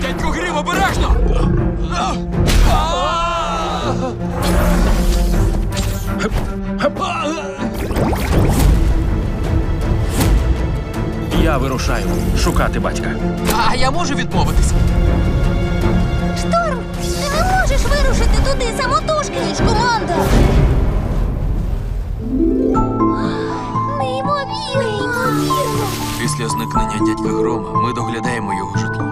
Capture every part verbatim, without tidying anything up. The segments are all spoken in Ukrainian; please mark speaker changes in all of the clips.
Speaker 1: Дядько Грім, обережно!
Speaker 2: Я вирушаю шукати батька.
Speaker 1: А я можу відмовитися?
Speaker 3: Шторм, ти не можеш вирушити туди самотужки, ніж команда. Неймовірно. Неймовірно.
Speaker 1: Після зникнення дядька Грома ми доглядаємо його житло.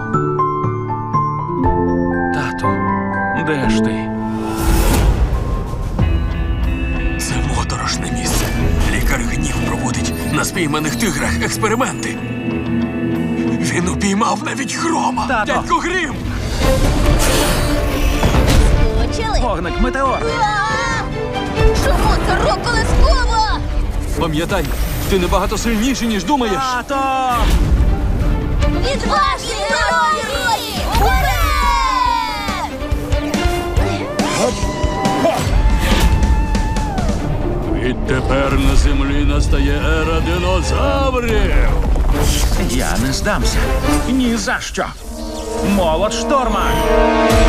Speaker 2: Тату, де ж ти?
Speaker 1: Це моторошне місце. Лікар Гнів проводить на спійманих тиграх експерименти. Він упіймав навіть Грома.
Speaker 2: Тато!
Speaker 1: Дядько Грім!
Speaker 3: Почали.
Speaker 2: Вогник метеор!
Speaker 3: А! Чому це рок-колескова?
Speaker 1: Пам'ятай, ти набагато сильніший, ніж думаєш.
Speaker 2: Тато!
Speaker 3: Відважні герої! Уперед!
Speaker 4: Відтепер на землі настає ера динозаврів.
Speaker 2: Я не здамся. Ні за що. Молот шторма!